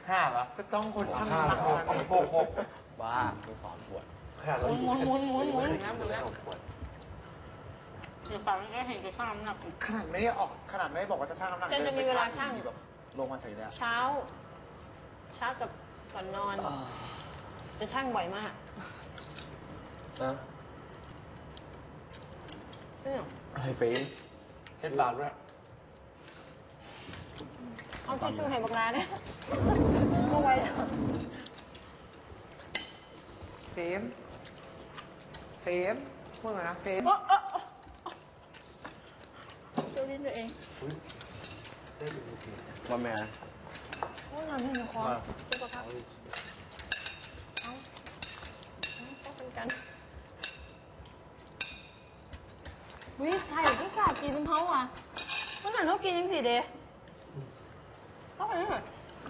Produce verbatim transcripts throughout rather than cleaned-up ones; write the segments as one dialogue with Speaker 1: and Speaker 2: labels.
Speaker 1: ห้าเหรอ
Speaker 2: ก็ต้องคนช่าง
Speaker 1: ห้า
Speaker 2: หนัก
Speaker 1: หกหก
Speaker 3: บ้ามีสองขวด
Speaker 1: หมุนหมุนหมุนหมุนหมุน
Speaker 4: น้ำหมดแล้วเดี๋ยวปากมันก็เห็นจะช่างน้ำหนัก
Speaker 2: ขนาดไม่ได้ออกขนาดไม่ได้บอกว่าจะช่างน้ำหนัก
Speaker 4: จะจะมีเวลาช่าง
Speaker 2: แบบลงมาเฉยเลย
Speaker 4: เช้า เช้ากับก่อนนอน จะช่างบ่อยมาก
Speaker 1: นะอะไรเฟนเช็ดปากด้วย
Speaker 4: เอาทิชชู่ให้บักลาเนี่ยก็ไว้แล้ว
Speaker 2: เฟมเฟมพูดมานะเฟม
Speaker 4: ช่วยดิ้นตัวเอง
Speaker 3: ว่าแม่
Speaker 4: โอ้ยนอนให้หนูคอสุขภาพเอาเอาเป็นกันวิไทยที่กล้ากินน้ำเขาอ่ะเมื่อไหร่เขากินยังสิเดย์ต้องไปนี่หน่อย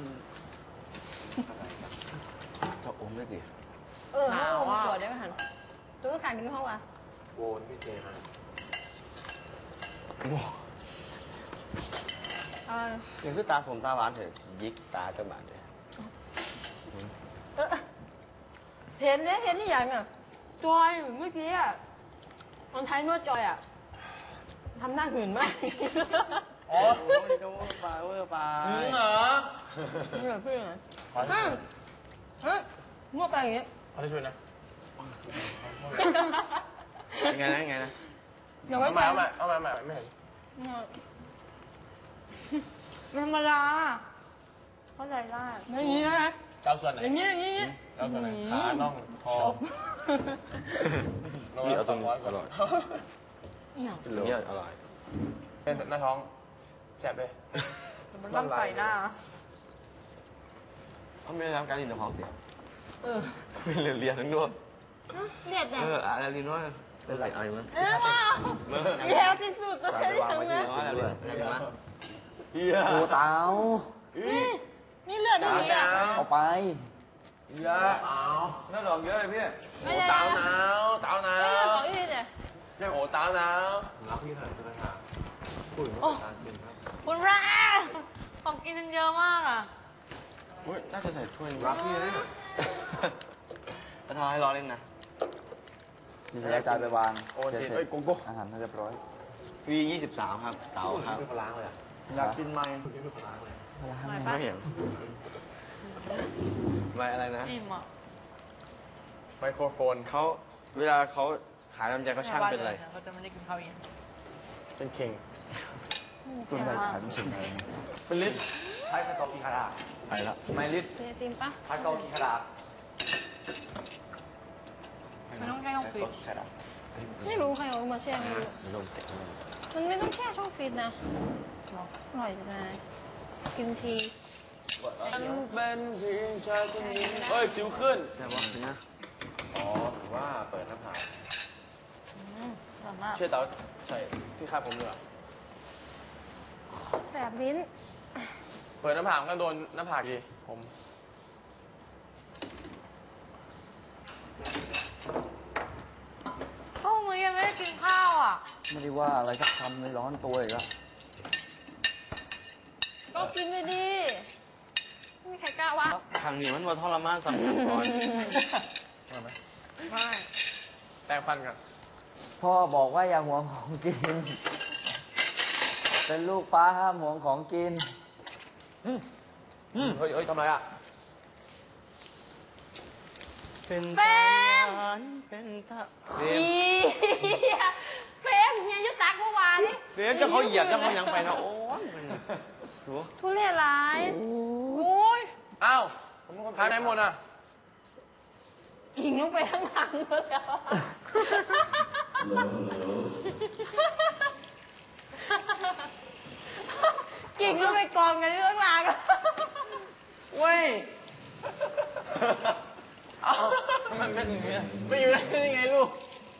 Speaker 3: จะอมได้ดิ
Speaker 4: เออเขาอมขวดได้ไหมหันตัวก็ขาดกินเขาอ่ะ
Speaker 1: โวนพี่เจนะ
Speaker 3: ยังคือตาสมตาหวานเถอะยิกตาเจ้าบ้านเลย
Speaker 4: เห็นเนี่ยเห็นนี่อย่างอ่ะจอยเมื่อกี้อ่ะตอนท้ายนวดจอยอ่ะทำหน้าหื่นมาก
Speaker 3: อ๋อโอ้ยก็เวอร์ไปเวอร์ไป
Speaker 1: หื่นเหรอ
Speaker 4: นี่เหรอพี่เหรอฮะฮะนวดไปอย่างเงี้ย
Speaker 1: ขอช่วยนะ
Speaker 3: ยังไงนะยังไงนะ
Speaker 4: เอามา
Speaker 1: เอามาเอามาเอามาไม่เห็น
Speaker 4: ธรรมดาเข้าใจได้อย่างนี้นะ
Speaker 1: เจ้าส่วนไหน
Speaker 4: อย่างนี้อย่างนี้
Speaker 1: เจ้าส่วนไหนขาน่องคอ
Speaker 3: นี่เอาตรงนี้อร่อย
Speaker 4: เนี่ย
Speaker 3: อร่อย
Speaker 1: เป็นหน้าท้องแสบเลย
Speaker 4: มันร่อนไปหน้า
Speaker 3: เขาไม่ได้ทำการลินกับท้องเสีย
Speaker 4: เออ
Speaker 3: ไม่เรียนเรียนทั้งด้วย
Speaker 4: เรียนแต่
Speaker 3: เอออะไรลินว่าเป็นไรอะไรมั้ง
Speaker 4: เออว้าวเลี้ยวที่สุดก็ใช้ได้ทั้งนั้น
Speaker 3: เฮีย
Speaker 5: โอ้เตา
Speaker 4: นี่เลือดได้ดีอ่ะ
Speaker 5: เอาไป
Speaker 1: เยอะเอาเลือดออกเยอะเลยพี่โอ้เตาหนาวเตาหนาว
Speaker 4: ไม่ขออีกเนี่ย
Speaker 1: ใช่โอ้เตาหนาวรับพี่หน่อยใช่ไหมครับ
Speaker 4: โอ้คุณพระของกินเยอะมากอ่ะ
Speaker 3: อุ้ยน่าจะใส่ถ้วยรับพี่เลยจะทำให้รอเล่นนะ
Speaker 5: มีสายจานไปวาง
Speaker 1: โอ้ยเอ้ยโกโก้
Speaker 5: อาหารเรียบร้อย
Speaker 3: วียี่สิบสามครับเตาครับ
Speaker 1: ไม่ล้างเลย
Speaker 5: อยากกินไหม
Speaker 3: ไม่เห็นไม่อะไรนะ
Speaker 1: ไมโครโฟน
Speaker 3: เขาเวลาเขาขายลำไยเขาช่างเป็นอะไร
Speaker 4: เขาจะไม่ได้กินข้าวเย็น
Speaker 1: เป็นเข่ง
Speaker 5: คุณใส่ขันสิ่งอะไร
Speaker 3: เป็นลิตร
Speaker 2: ไพ่สกอร์กีคารา
Speaker 3: ไปแล้ว
Speaker 1: ไม่ลิตร
Speaker 4: จริงปะ
Speaker 2: ไพ่สกอร์กีคารา
Speaker 4: ไม่ต้องแช่ช่องฟิตไม่รู้ใครเอามาแช่ไม่รู้มันไม่ต้องแช่ช่องฟิตนะอร่อยจังเลยกินที
Speaker 1: ฉันเป็นเพียงชายคนนี้เฮ้ยสิวขึ้น
Speaker 3: แซ่บวะนะ
Speaker 1: อ๋อถือว่าเปิดหน้าผาก
Speaker 4: เ
Speaker 1: ชื่อเต๋าใช่ที่คาดผมเลย
Speaker 4: แสบลิ้น
Speaker 1: เปิดหน้าผากก็โดนหน้าผากดิผม
Speaker 4: ก็มึงยังไม่ได้กินข้าวอ่ะ
Speaker 5: ไม่ได้ว่าอะไรสักคำเลยร้อนตัวอีกแล้ว
Speaker 4: ก็กินไปดิไม่มีใครกล้าว่า
Speaker 3: ทางนี้มันว่าทรมานสัมผัสก่อน
Speaker 4: ไม่
Speaker 1: แปรงฟันกัน
Speaker 5: พ่อบอกว่าอย่าหวงของกินเป็นลูกป้าห้ามหวงของกิน
Speaker 1: เฮ้ยเฮ้ยทำไรอ่ะ
Speaker 3: เป็น
Speaker 4: เฟ
Speaker 3: มเป็นตา
Speaker 4: เฟมเฟมเฮียยุตักเมื่อวานนี่
Speaker 3: เฟมจะเขาเหยียบจะเขายังไปนะโอ้ย
Speaker 4: ทุเรศร้ายโอ้ย
Speaker 1: อ้าวผมเป็นคนพาไหนหมดอ่ะ
Speaker 4: กิ่งลงไปข้างหลังแล้วกิ่งลงไปกองกันที่ข้างหลัง
Speaker 1: เว้ยเอ้ามันเป็นอย่างนี้ไปอยู่ได้ยังไงลูก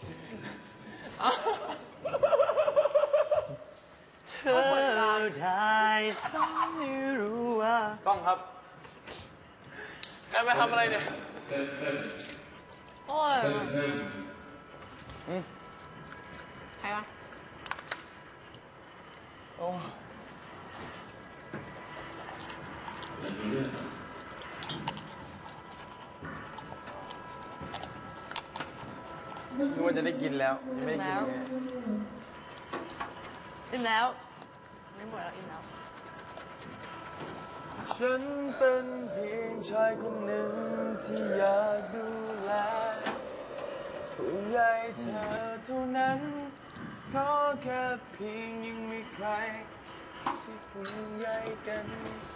Speaker 3: เธอได้สักไม่รู้ว่า
Speaker 1: ต้องครับแกไปทำอะไรเนี่ย
Speaker 4: โอ้ยใครวะ
Speaker 1: โอ้ว่าจะได้กินแล้วยังไม่ได้กินเลย
Speaker 4: อิ่มแล้วไม่หมดแล้วอิ่มแล้ว
Speaker 1: ฉันเป็นเพียงชายคนหนึ่งที่อยากดูแลห่วงใยเธอเท่านั้นขอแค่เพียงยังมีใครที่ห่วงใยกัน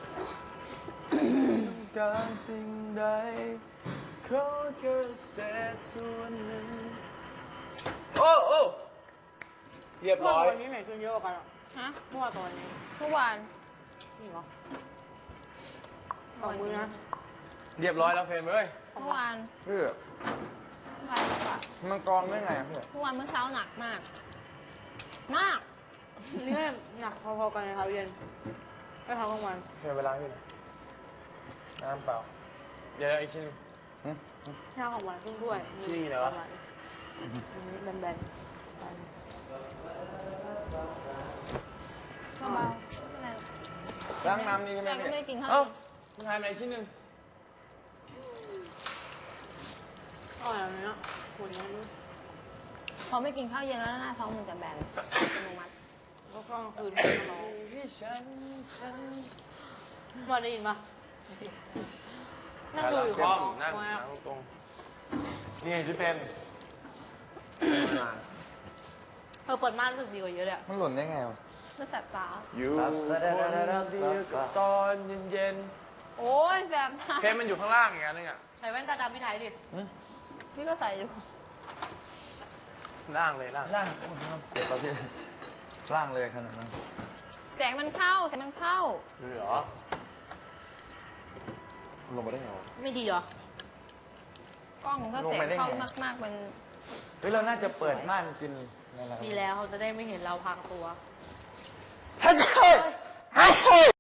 Speaker 1: ต้องการสิ่งใดขอแค่เศษส่วนหนึ่งโอ้โอ้เรียบร้อย
Speaker 2: วันนี้ไหนกินเยอะกว่ากันอ่ะ
Speaker 4: ฮะ
Speaker 2: เมื่อวานกับวันนี้
Speaker 4: ทุกวัน
Speaker 2: จริงเหรอสองมือนะ
Speaker 1: เรียบร้อยแล้วเฟรมเอ้ย
Speaker 4: เมื่อวาน
Speaker 1: เพื่อ
Speaker 4: เมื่อวานหนักกว่า
Speaker 1: มันกรองได้ไงอะเพื่อ
Speaker 4: เมื่อวานเมื่อเช้าหนักมาก มาก
Speaker 2: นี่ก็หนักพอๆกันในเช้าเย็นไม่เช้ากลางวัน
Speaker 1: เฟรมเวลาพี่น้ำเปล่าเดี๋ยวอีกชิ้นง
Speaker 2: เช้าของวันครึ่งถ้วย
Speaker 1: ที่นี่เหรอ
Speaker 2: ประมาณอันนี้แบนๆ
Speaker 4: เบาๆไม่เป็นไร
Speaker 1: ล้างน้ำนี่ใช่ไหม
Speaker 4: แต่ก็ไม่ได้กินข้าว
Speaker 1: เอ้าคุณทายมาอีกชิ้นหนึ่ง
Speaker 2: อร่อยอันนี้อ่ะคุณนี้
Speaker 4: พอไม่กินข้าวเย็นแล้วหน้าท้องมันจะแบนอัตโนมัติ
Speaker 2: ก็กลางคืนไม่นอน
Speaker 1: ที่ฉันฉัน
Speaker 2: มาได้ยินปะนั่งดูอยู่
Speaker 1: คล่อม
Speaker 2: ข้างน
Speaker 1: นั่
Speaker 2: อง ก
Speaker 1: นั่งตรงๆนี่ไงพี่เฟรม
Speaker 2: เออเปิดม่านรู้สึกดีกว่าเยอะเลยอะ
Speaker 3: มันหล่นได้ไงวะ
Speaker 4: ไม่แสบตา
Speaker 1: อยู่คนเดียวกับตอนเย็น
Speaker 4: โอ้ยแสบตา
Speaker 1: ๆเฟรมมันอยู่ข้างล่างอีกอันนึงอ่ะ
Speaker 2: ใส่แว่นตาดำพี่ไทยดิ
Speaker 4: พี่ก็ใส่อยู่
Speaker 1: ล่างเลยล่าง
Speaker 3: ล่างเจ็บป่ะพี่ล่างเลยขนาดนั้น
Speaker 4: แสงมันเข้า แสงมันเข้า
Speaker 1: เหรอ
Speaker 3: ลงมาได้ไงวะ
Speaker 2: ไม่ดีเหรอ
Speaker 4: กล้องถ้า
Speaker 3: ลง
Speaker 4: แสง
Speaker 3: ไปได้ไง
Speaker 4: เข้ามากๆมัน
Speaker 5: เฮ้ยเราน่าจะเปิดม่านกินนั่นแหละ
Speaker 2: ดีแล้วเขาจะได้ไม่เห็นเราพังตัว
Speaker 5: ฮัลโหลฮัลโหล